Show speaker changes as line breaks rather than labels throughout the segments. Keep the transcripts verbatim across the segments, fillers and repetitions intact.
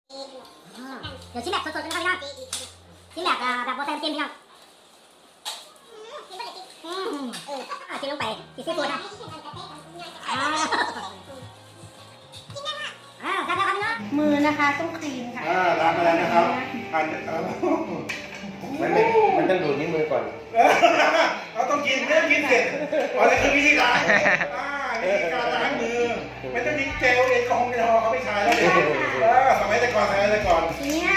เดี๋ยวชิ้นแบบสดๆกันนะครับพี่น้องชิ้นแบบแบบโบแซมจิ้มพี่น้องอืมเออชิ้นลงไปชิ้นซีฟู้ดนะอ้าวอ้าวครับครับพี่น้องมือนะคะต้องคลีนค่ะ
อ่าล้างไปแล้วนะครับอัน
มันไม่มันต้องดูดนิ้วมือก่อน
เราต้องกินเรื่องกินเสร็จอ๋อนี่คือวิธีล้างอ่าวิธีการล้างมือไม่ต้องมีเจลแอลกอฮอล์แอลกอฮอล์เขาไม่ใช้แล้วเนี่ยสมัยแต่ก่อนสมัยแต่ก่อน
เนี่ย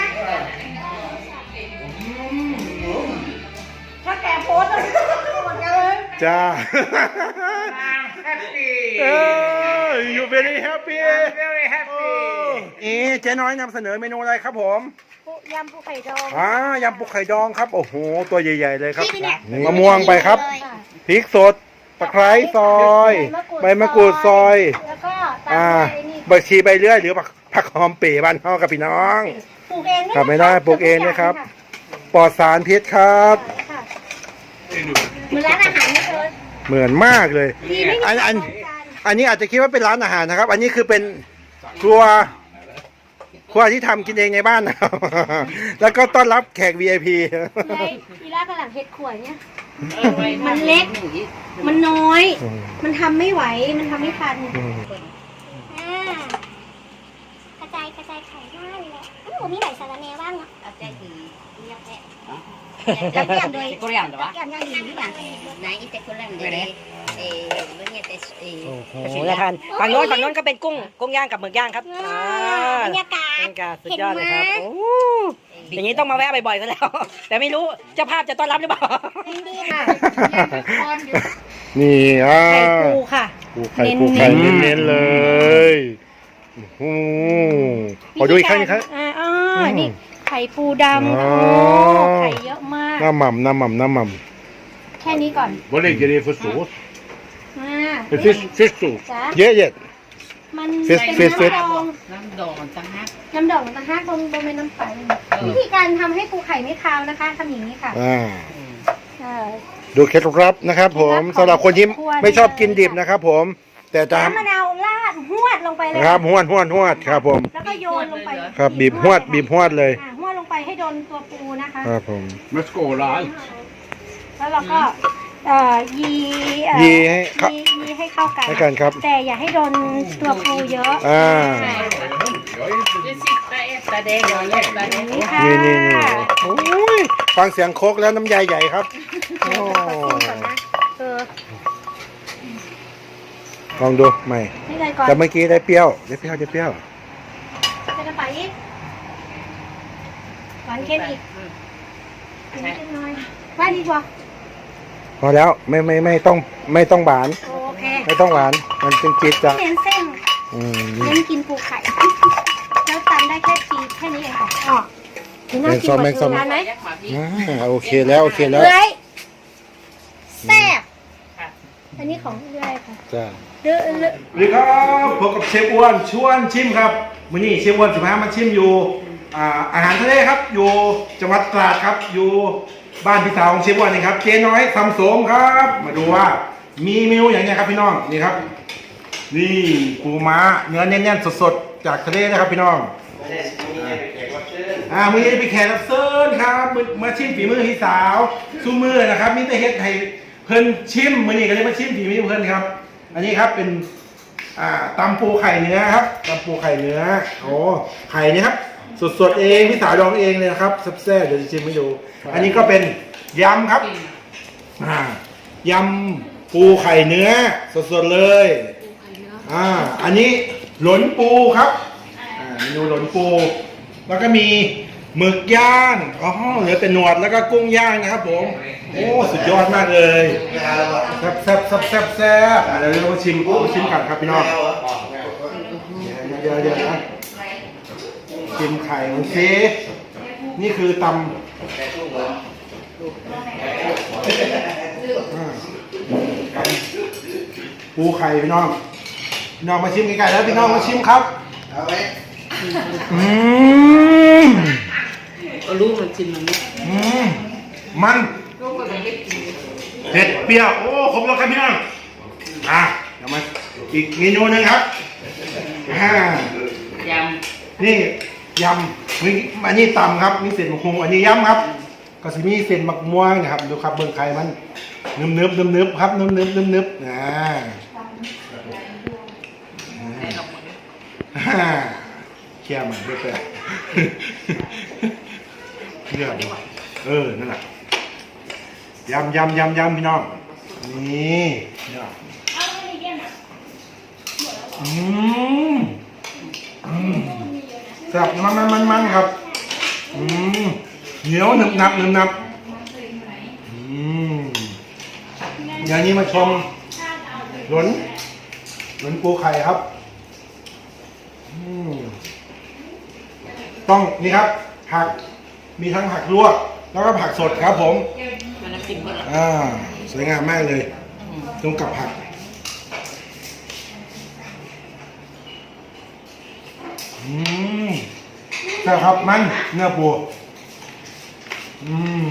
ถ้าแกโพสต์หมดกันเลย
จ้า
แฮปปี้
เออ you very happy
very happy
เอ๊ะเจ๊น้อยนำเสนอเมนูอะไรครับผม
ยำปูไข่ดอง
อ่ายำปูไข่ดองครับโอ้โหตัวใหญ่ๆเลยครับมะม่วงไปครับพริกสดตะไคร้ซอยใบมะกรูดซอย
แล้วก็ตา
อ่าม
ด้วยนี่
บักชีใบเลื่อยหรือผักหอมเป๋บ้านเฮากับพี่น้อง
ปลูกเอง
ครับไม่ได้ปลูกเองนะครับ ปลอดสารพิษครับ
ค่ะเหมือนร้านอาหารนี่เลย
เหมือนมากเลยอันอันอันนี้อาจจะคิดว่าเป็นร้านอาหารนะครับ อันนี้คือเป็นครัวครัวที่ทำกินเองในบ้านนะครับ แล้วก็ต้อนรับแขก วี ไอ พี
เลยอีล่ากำลังเฮ็ดขวดเนี่ยมันเล็กมันน้อย มันทำไม่ไหวมันทำไม่ทันอ่ากระจายกระจายไข่ได้เลยโอ้โหมีไหนสารแนบ้างเนาะ
Lagyan doy.
Koreano ba?
Lagyan yan hindi yan. Naiite ko lang din. Eh, ganyan tes eh.
โอ้โหน่าทานฝั่งโน้นฝั่งโน้นก็เป็นกุ้งกุ้งย่างกับหมึกย่างครับอ่า
บรรยากาศ
บรรยากาศสุดยอดเลยครับโอ้อย่างนี้ต้องมาแวะบ่อยๆซะแล้ว แต่ไม่รู้เจ้าภาพจะต้อนรับหรือเปล่า
ดีค่ะ
นี่อ่า
ไข่ปูค่ะ
ปูไข่ปูไข่เน้นๆเลยโอ้โหขอดูอีกครั้งอีกครั้ง
อ่าอ๋อนี่ไข่ปูดำ
อ๋อ
โอ้ไข่เยอะมาก
น้ำหม่ำน้ำหม่ำน้ำหม่
แค่นี้ก่อน
Vad lägger ni för sås?
อ่า
Fisk, fisksås?
จ้ะ
ำเยอะเยอะ
มัน
ฟิส
เป็น
ฟิสฟิส
น้ำดอง
น้ำดองต่างหาก
น้ำดองต่างหากบนบนเป็นน้ำใสวิธีการทำให้ปูไข่ไม่คาวนะคะทำอย่างนี้ค่ะ
อ่า
เออ
ดูเคล็ดลับนะครับ ผมสำหรับคนที่ไม่ชอบกินดิบนะครับ ผม แต่จะ
น้ำมะนาวราดหวดลงไปเลย
ครับหวดหวดหวดครับผม
แล้วก็โยนลงไป
ครับบีบหวดบีบหวดเลย
อ่าหวดลงไปให้โดนตัวปูนะคะ
ครับผม
Men skåla allt.
แล้วเราก็เอ่อยีเอ่อ
ยีให้เข้า
ยียีให้เข้ากัน
ให้กันครับ
แต่อย่าให้โดนตัวปูเยอะ
อ่า
Det sista äta det jag gillar
นี่
det.
ค่ะ
นี่นี่นี่โอ้ยฟังเสียงโคกแล้วน้ำยาใหญ่ครับโอ้
ก่อนนะเออ
ลองดูใหม่
นี่เลยก่อน
แต่เมื่อกี้ได้เปรี้ยวได้เปรี้ยวได้เปรี้ยว
จะกระไปอีกหวานเค็มอีกอีกนิดหน่อยว่าดีกว่า
พอแล้วไม่ไม่ไม่ต้องไม่ต้องหวาน
โอเค
ไม่ต้องหวานมันเป็นจี๊ดจ้ะ
เน้นเส้น
อืม
เน้นกินปูไข่ แล้วจำได้แค่ชีสแค่นี้เองค่ะอ๋อนี่น่ากินกว่าชื่อร้านไหม
อ่าโอเคแล้วโอเคแล้ว
เอ้ยแซ่บอันนี้ของเรื่อยค่ะ
จ้า
เรื่อยเรื่อย
สวัสดีครับพบกับเชฟอ้วนชวนชิมครับมื้อนี้เชฟอ้วนสิพามาชิมอยู่อ่าอาหารทะเลครับอยู่จังหวัดตราดครับอยู่บ้านพี่สาวของเชฟอ้วนนี่ครับเจ๊น้อยทำโสมครับ มาดูว่ามีเมนูอย่างไรครับพี่น้องนี่ครับ นี่ปูม้าเนื้อแน่นๆสดๆจากทะเลนะครับพี่น้องอ่ามื้อนี้ไปแขกรับเชิญครับมื้อมาชิมฝีมือพี่สาวซูมือนะครับมีแต่เฮ็ดให้เพิ่นชิมมื้อนี้ก็เลยมาชิมฝีมือเพิ่นครับ อันนี้ครับเป็นอ่าตำปูไข่เนื้อครับตำปูไข่เนื้อโอ้ไข่นี่ครับสดๆเองพี่สาวดองเองเลยนะครับแซ่บๆเดี๋ยวจะชิมให้ดูอันนี้ก็เป็นยำครับอ่ายำปูไข่เนื้อสดๆเลยอ่าอันนี้หลนปูครับอ่าเมนูหลนปู แล้วก็มีหมึกย่างอ๋อเหลือแต่หนวดแล้วก็กุ้งย่างนะครับผมโอ้สุดยอดมากเลยแซ่บแซ่บแซ่บแซ่บแซ่บเดี๋ยวเรามาชิมมาชิมกันครับพี่น้องเดี๋ยวเดี๋ยวนะชิมไข่มันซินี่คือตำอ่าตำปูไข่พี่น้องพี่น้องมาชิมไก่แล้วพี่น้องมาชิมครับอืม
รู้มันชิมมัน
อืมมันเผ็ดเปรี้ยวโอ้ครบแล้วครับพี่น้องอ่ะเดี๋ยวมาอีกเมนูหนึงครับอ่าย
ำ
นี่ยำมีอันนี้ตำครับมีเส้นมะฮุงอันนี้ยำครับ ก็จะมีเส้นมะม่วงนะครับดูครับเบิ่งไข่มันนึบนึบนึบนึบครับนึบนึบนึบนึบนะอ่าแค่มันเพื่อเลือกเออนั่นแหละยำยำยำยำพี่น้องนี่เนี่ยอืมอืมแซ่บมันมันมันมันครับอืมเหนียวหนึบหนับหนึบหนับอืมอย่างนี้มาชมหลนหลนปูไข่ครับอืมต้องนี่ครับผักมีทั้งผักลวกแล้วก็ผักสดครับผมอ่าสวยงามมากเลยตรงกับผักอืมใช่ครับมันเนื้อปูอืม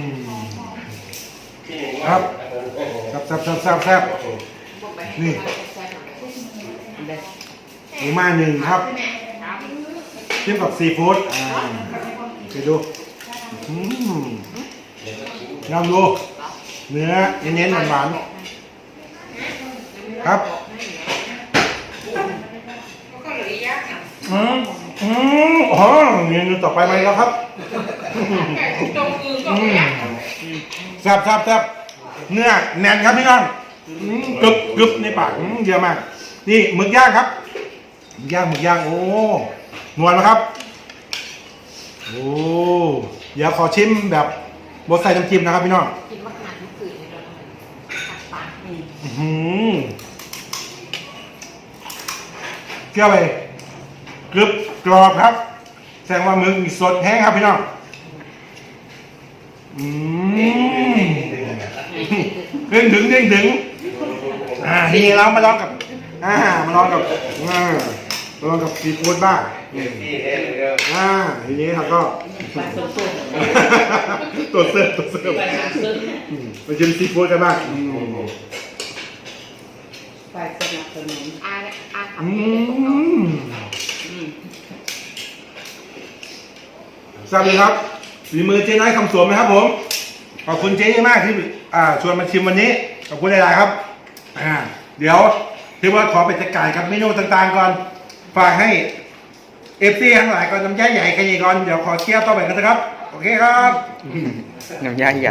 ครับแซ่บแซ่บแซ่บแซ่บแซ่บนี่หมูมาหนึ่งครับเทียมกับซีฟู้ดอ่าไปดูอืมลองดูเนื้อเน้นๆหวานๆครับอืมอืมอ๋อเมนูต่อไปมาแล้วครับอืมแซ่บแซ่บแซ่บเนื้อแน่นครับพี่น้องอืมกรึบกรึบในปากอืมเยอะมากนี่หมึกย่างครับหมึกย่างหมึกย่างโอ้นวลนะครับโอ้เดี๋ยวขอชิมแบบบดใส่น้ำจิ้มนะครับพี่น้องอื้อหือเกลือไปกรึบกรอบครับแสดงว่าหมึกมีสดแห้งครับพี่น้องอืมเด้งถึงเด้งถึงอ่าทีนี้เรามาลองกับอ่ามาลองกับอ่ามาลองกับซีฟู้ดบ้างอ่าทีนี้เราก็ตัวเสิร์ฟตัวเสิร์ฟไปชิมซีฟู้ดกันบ้างอืม
ฝ่ายสนับสนุน
อาอา
อืมสวัสดีครับฝีมือเจ๊น้อยคำสวมนะครับผมขอบคุณเจ๊มากที่อ่าชวนมาชิมวันนี้ขอบคุณหลายๆครับอ่าเดี๋ยวที่ว่าขอไปจัดการกับเมนูต่างๆก่อนฝากให้เอฟซีทั้งหลายก่อนน้ำย่าใหญ่กันอีกก่อนเดี๋ยวขอเที่ยวต่อไปกันนะครับโอเคครับ
น้ำย่างใหญ่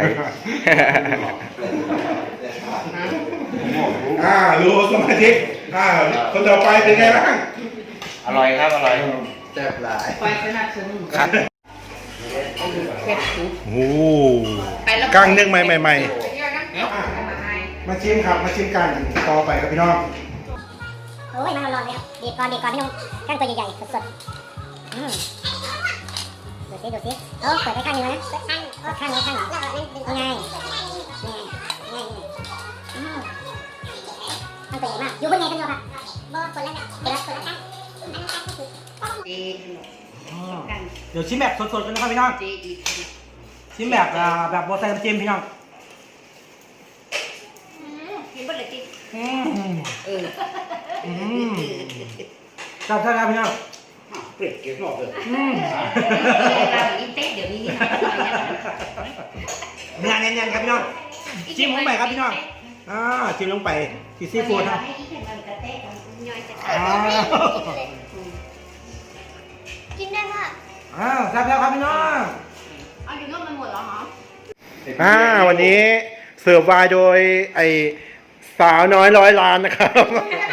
อ่ารู้สมาชิกอ่าคนต่อไปเป็นไงบ้าง
อร่อยครับ อร่อยแซ่บหลาย
ฝ่ายสนับสนุนครับเผ็ดสุด
โอ้กั้งนึ่งใหม่ใหม่ๆมาชิมครับมาชิมกันต่อไปครับพี่น้อง
โอ้ยมันร้อนๆเลยครับดีดก่อนดีดก่อนพี่นุ่มข้างตัวใหญ่ๆสดๆอืมดูสิดูสิโอ้เปิดไปข้างนึงนะข้างข้างนี้ข้างนี้ยังไงนี่ไงนี่อืมข้างตัวใหญ่มากอยู่บนไหนกันอยู่ครับบนคนละคนละคนละข้าง
เจ
เดี๋ยวชิมแบบสดๆกันนะครับพี่น้อง
เจอี
ชิมแบบอ่าแบบบดใส่น้ำจิ้มพี่น้อง
กินบ่เลยจิ
อืม
เออ
อืมจับท่าครับพี่น้อง
เปรี้ยวเกลือหอมเลย
อืม
เราอีเต๊ะเดี๋ยวนี้
เนื้อแน่นๆครับพี่น้องจิ้มลงไปครับพี่น้องอ่าจิ้มลงไปที่ซีฟู้ดครับอ่า
กินได้ป่ะ
อ่าแซ่บแล้วครับพี่น้อง
เอาอยู่นู่นมันหมดแล้วเหรอ
อ่าวันนี้เสิร์ฟวายโดยไอสาวน้อยร้อยล้านนะครับ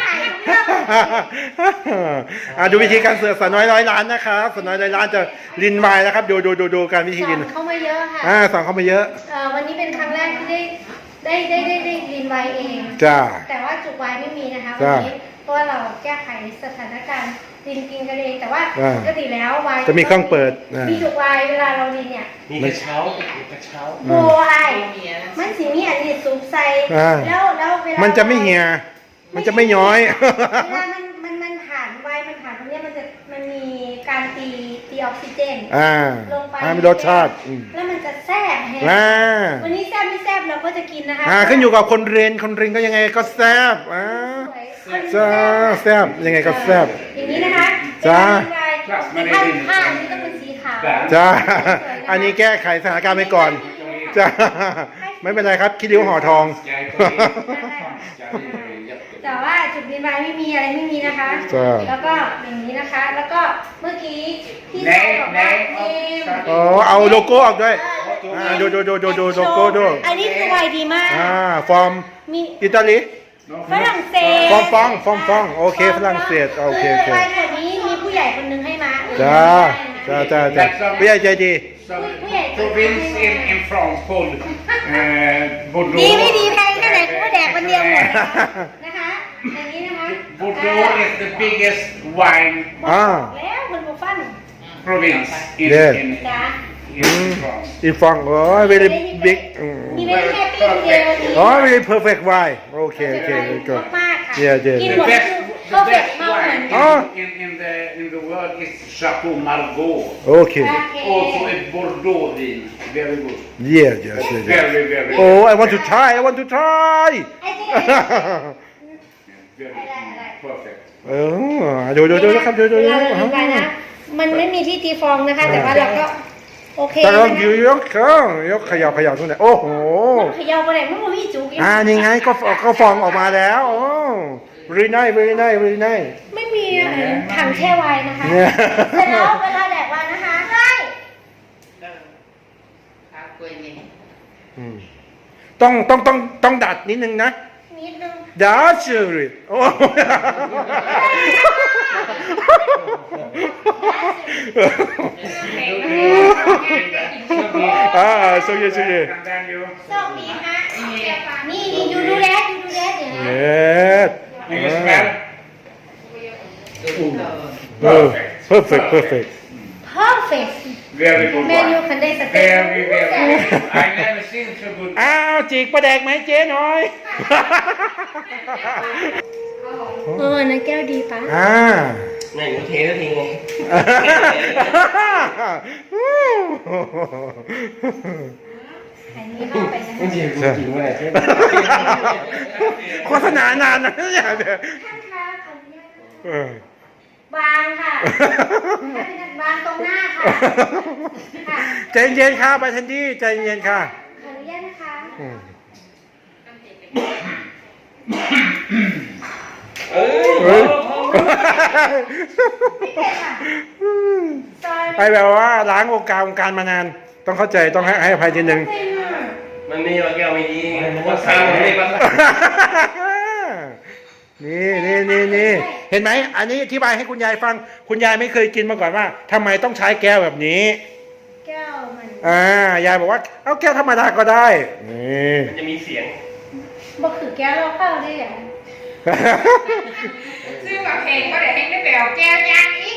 อ่าดูวิธีการเสิร์ฟสาวน้อยร้อยล้านนะครับสาวน้อยร้อยล้านจะลินวายนะครับดูดูดูดูการวิธีลิน
เข้ามาเยอะค่ะ
อ่าสั่งเข้ามาเยอะ
เอ่อวันนี้เป็นครั้งแรกที่ได้ได้ได้ได้ได้ลินไวน์เอง
จ้า
แต่ว่าจุกไวน์ไม่มีนะคะ
จ้ะ
วันนี้เพราะว่าเราแก้ไขสถานการณ์ลินกินกันเองแต่ว่า
อ่า
ปกติแล้วไวน์
จะมีเครื่องเปิดอ่ามี
มีจุกไวน์เวลาเราลินเนี่ย
มีกระเช้ามีกระเช้า
โบไอมันสีมีอันนี้ซุปใส่
อ่า
แล้วแล้วเวลา
มันจะไม่เหี่ยมันจะไม่ย้อย
เวลามันมันมันผ่านไวน์มันผ่านตรงเนี้ยมันจะมันมีการตีตีออกซิเจน
อ่า
ลงไป
ให้มีรสชาติอืม
แล้วมันจะแซ่บแฮะ
อ่า
วันนี้แซ่บไม่แซ่บเราก็จะกินนะคะ
อ่าขึ้นอยู่กับคนเรียนคนเรียนก็ยังไงก็แซ่บอ่า
สวย
จ้าแซ่บยังไงก็แซ่บ
อย่างนี้นะคะ
จ้า
เป็นผ้าผ้านี่ต้องเป็นสีขาว
จ้า อันนี้แก้ไขสถานการณ์ไปก่อน จ้า ไม่เป็นไรครับคิดริ้วห่อทอง
แต่ว่าจุดบินบายไม่มีอะไรไม่มีนะคะ
จ้า
แล้วก็อย่างนี้นะคะ แล้วก็เมื่อกี้ที่ชายบอกว่าเนม
อ๋อ เอาโลโก้ออกด้วย อ่า ดูดูดูดูดูโลโก้ด้วย
อันนี้คือไวดีมาก
อ่า ฟอร์ม
มี
อิตาลี
ฝรั่งเศส
ฟองฟองฟองฟองโอเคฝรั่งเศสโอเคโอเค
คือไวแบบนี้มีผู้ใหญ่คนนึงให้มา
จ้า จ้าจ้าจ้าผู้ใหญ่ใจดี
Some province in, in France called uh,
ดีไม่
Bordeaux.
ดีแพงแค่ไหนกูก็แดกคนเดียวหมดนะคะนะคะอย่างนี้นะคะ
Bordeaux is the biggest wine
อ่า
แล้วคนบุฟัน
province in,
Yes.
in,
จ้า
in France.
อีฟองโอ้ย very big อืม
มีไม่แค่ปิ้งเดียววันนี้
อ๋อ very perfect wine โอเคโอเค very good
มากๆค่ะ
Yeah, yeah,
กิน
The
หมด
best,
ก็
the
เผ็ด
best
เมาเหมือน
wine
อ๋อ
in, in, in, the, in the world is Chateau Margaux.
โอเค
Also a Bordeaux wine. Very good.
yeah yeah yeah yeah
Very, very,
oh I want to try I want to try
ไอ้เจ๊
very perfect.
เออดูดูดูนะครับดูดูดู
เราจะดูกันนะมันไม่มีที่ตีฟองนะคะ แต่ว่าเราก็โอเค
แต่
นะ
เรา
คะ
อยู่ยกเครื่องยกขยับขยับตรงไหนโอ้โห
เขย่าไปไหนมันไม่มีจุก
อ่านี่ไงก็ก็ฟองออกมาแล้วโอ้ very nice very nice very nice
ไม่มีถังแช่ไวน์นะคะ
เนี่ย
เสร็จแล้วเวลาแดกไวน์นะคะใช่
อืมต้องต้องต้องต้องดัดนิดนึงนะ
นิดนึง
ดัดเชอรี่โอ้ อ่าโซเยโซเย
And then you
โชคดีฮะนี่นี่ยูดูแลยูดูแลเดี๋ยวนะ
เย็ด
and you smell
เออ perfect perfect
perfect
very good
เมนู
wine.
คันได้สเต็ก
Very, very good. I never seen so good.
อ้าวจีกประแดกไหมเจ๊หน่อย
เออนะแก้วดีปะ
อ่า
ไหนกูเทแล้วทิ้งไง
อันนี้เข้าไปนะ
มันเสียกูจริงวะเนี่ย
โฆษณานานนะเนี่ยเดี๋ยว
ท่านคะขออนุญาต
เออ
วางค่ะวางตรงหน้าค่ะค่ะ
ใจเย็นค่ะไปทันทีใจเย็นค่ะ
ขออนุญาตนะคะ
อืม
เอ้ย
เฮ้ย
ซอย
ไอแบบว่าล้างวงการวงการมานาน ต้องเข้าใจต้องให้ให้อภัยทีหนึ่ง
มันมีว่าแก้วไม่ดีว่าสร้างมันไม่ว่า
นี่นี่นี่นี่เห็นไหมอันนี้อธิบายให้คุณยายฟัง คุณยายไม่เคยกินมาก่อนว่าทำไมต้องใช้แก้วแบบนี้
แก้วมัน
อ่ายายบอกว่าเอาแก้วธรรมดาก็ได้นี่
มันจะมีเสียง
บ่คือแก้วเราเข้าได้ยัง
ซื้อมาเพลงก็เดี๋ยวให้ได้ไปเอาแก้วยางอีก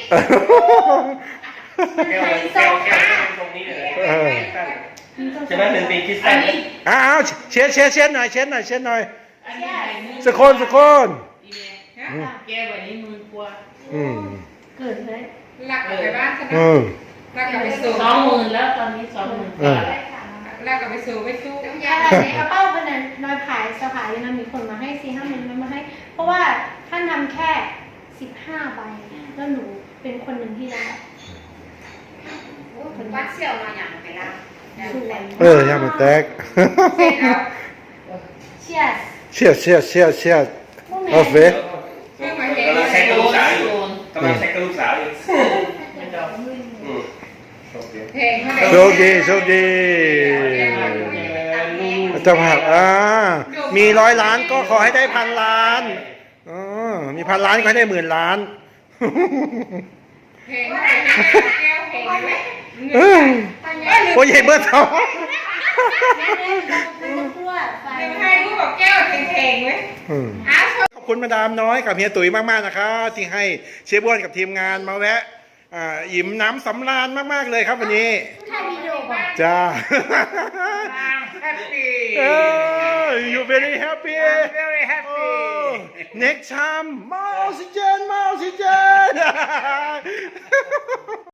แก้วแก้วแก้วตรงนี้เลย
เออ
ใช่ไหมหนึ่งปีคิดสั้น
อ้าวเช็ดเช็ดเช็ดหน่อยเช็ดหน่อยเช็ดหน่อยสกคนสกคน
แก้ววันนี้มือกลัว
อืม
เกิดเลย
หลักกลับไปบ้านใช่ไหม
อืม
หลักกลับไปสู่
สองหมื่นแล้วตอนนี้สองหมื่น
เออ
หลักกลับไปสู่ไปสู้
ยาในกระเป๋าพนันน้อยผายสภายนั้นมีคนมาให้สี่ห้าหมื่นมันมาให้ เพราะว่าท่านทำแค่สิบห้าใบแล้วหนูเป็นคนหนึ่งที่ได้
วัดเสี่ยวมาอย่างไปละ
สวย
เออยามันแตก
เสร็จแล้ว
เชียร์
เชียดเชียดเชียดเชียดโอเค
ซื้อมาเพลง
กำลังใช้กระลูกสาวอยู่กำลังใช้กระลูกสาวอยู่อืม
เพลงเท่าไหร่
โชคดีโชคดีเจ้าภาพอ่ามีร้อยล้านก็ขอให้ได้พันล้านอ๋อมีพันล้านก็ให้ได้หมื่นล้าน
เพลงเท่าไหร่แก้วเพลงไหม
เออโอ้ยใหญ่เบอร์สอง
แม่เลยมันจะกลัวไฟ
หนึ่งให้รูปบอกแก้วเพลงไหม
อืม
อ้าว
ขอบคุณมาดามน้อยกับเฮียตุ๋ยมากๆนะครับที่ให้เชฟบ้วนกับทีมงานมาแวะอ่าอิ่มน้ำสำราญมากๆเลยครับวันนี้
ถ้าวิดีโอบอก
จ้า
I'm happy.
เออ you very happy
I'm very happy.
Oh, next time more oxygen more oxygen